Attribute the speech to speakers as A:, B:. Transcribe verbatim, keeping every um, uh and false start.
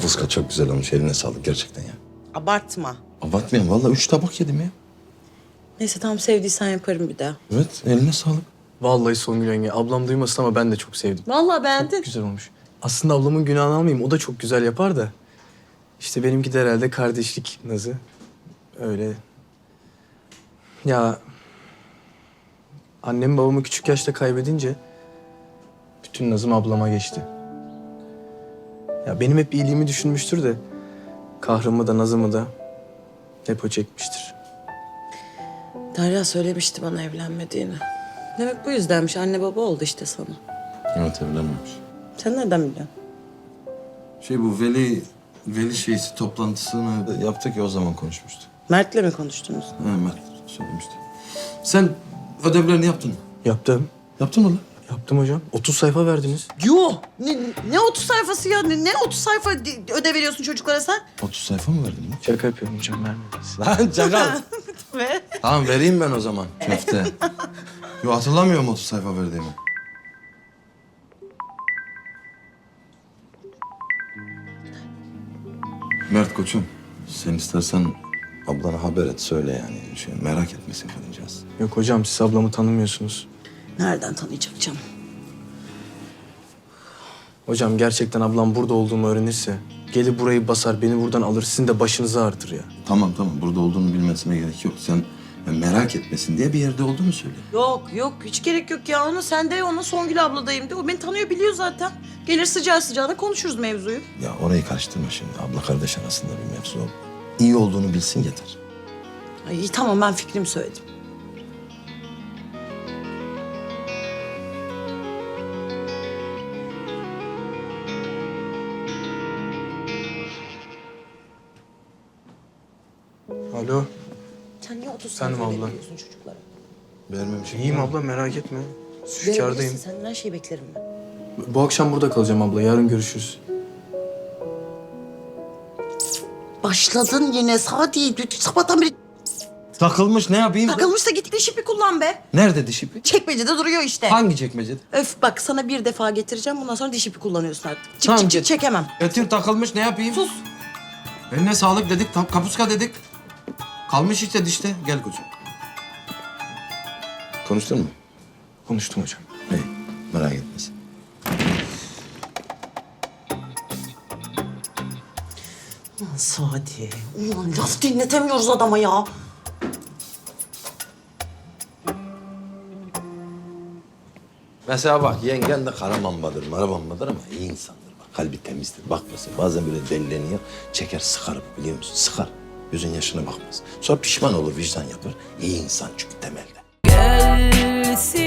A: Kapuska çok güzel olmuş. Eline sağlık gerçekten ya.
B: Abartma.
A: Abartmayayım. Vallahi üç tabak yedim ya.
B: Neyse tamam sevdiysen yaparım bir daha.
A: Evet, eline sağlık.
C: Vallahi Songül yenge, ablam duymasın ama ben de çok sevdim.
B: Vallahi beğendin.
C: Güzel olmuş. Aslında ablamın günahını almayayım, o da çok güzel yapar da. İşte benimki de herhalde kardeşlik nazı. Öyle. Ya... Annem babamı küçük yaşta kaybedince... bütün nazım ablama geçti. Ya benim hep iyiliğimi düşünmüştür de... kahrımı da nazımı da... hep o çekmiştir.
B: Derya söylemişti bana evlenmediğini. Demek bu yüzdenmiş. Anne baba oldu işte sana.
A: Evet, evlenmemiş.
B: Sen nereden biliyorsun?
A: Şey bu veli... Veli şeysi toplantısını yaptık ya, o zaman konuşmuştuk.
B: Mert'le mi konuştunuz?
A: Ha, Mert söylemişti. Sen ödevlerini yaptın mı?
C: Yaptım.
A: Yaptın mı lan?
C: Yaptım hocam. otuz sayfa verdiniz.
B: Yo! Ne, ne otuz sayfası ya? Ne, ne otuz sayfa ödev veriyorsun çocuklara sen?
A: otuz sayfa mı verdin lan?
C: Şaka yapıyorum hocam, vermediniz.
A: Lan çakal.
B: Ve?
A: Tamam, vereyim ben o zaman. Köfte. Yo, hatırlamıyorum otuz sayfa verdiğimi. Mert koçum, sen istersen ablana haber et, söyle yani. Şey, merak etmesin kadıncağız.
C: Yok hocam, siz ablamı tanımıyorsunuz.
B: Nereden tanıyacak canım?
C: Hocam gerçekten ablam burada olduğumu öğrenirse... gelir burayı basar, beni buradan alır, sizin de başınızı ağrıtır ya.
A: Tamam tamam, burada olduğunu bilmesine gerek yok. Sen ya, merak etmesin diye bir yerde olduğunu söyle.
B: Yok yok hiç gerek yok ya. Onu sen de ona Songül abladayım de. O beni tanıyor biliyor zaten. Gelir sıcağı sıcağına konuşuruz mevzuyu.
A: Ya orayı karıştırma şimdi. Abla kardeş arasında bir mevzu o. İyi olduğunu bilsin yeter.
B: Ay, iyi tamam ben fikrimi söyledim.
C: Alo.
B: Sen niye otuz
C: Efendim
B: sayfa
C: abla?
B: veriyorsun çocuklara?
A: Vermemişim.
C: İyiyim abla, merak etme. Zülfikar'dayım.
B: Verebilirsin, senden her şeyi beklerim ben.
C: Bu akşam burada kalacağım abla, yarın görüşürüz.
B: Başladın yine Sadi. Sabahtan beri
A: Takılmış, ne yapayım?
B: takılmış da git diş ipi kullan be.
A: Nerede diş ipi?
B: Çekmecede duruyor işte.
A: Hangi çekmecede?
B: Öf bak sana bir defa getireceğim. Bundan sonra diş ipi kullanıyorsun artık. Çık
A: Tamam,
B: çık çık
A: git.
B: çekemem.
A: Getir, takılmış, ne yapayım?
B: Sus.
A: Eline sağlık dedik, tam kapuska dedik. Kalmış işte dişte. Gel koçum. Konuştun mu?
C: Konuştum hocam.
A: İyi, merak etmesin.
B: Ulan Sadi. Ulan laf dinletemiyoruz adama ya.
A: Mesela bak, yengen de kara mambadır, mara mambadır ama iyi insandır. Bak, kalbi temizdir. Bak mesela bazen böyle delileniyor, çeker sıkar, biliyor musun? Sıkar. Gözün yaşına bakmaz. Sonra pişman olur, vicdan yapar. İyi insan çünkü temelde.
D: Gelsin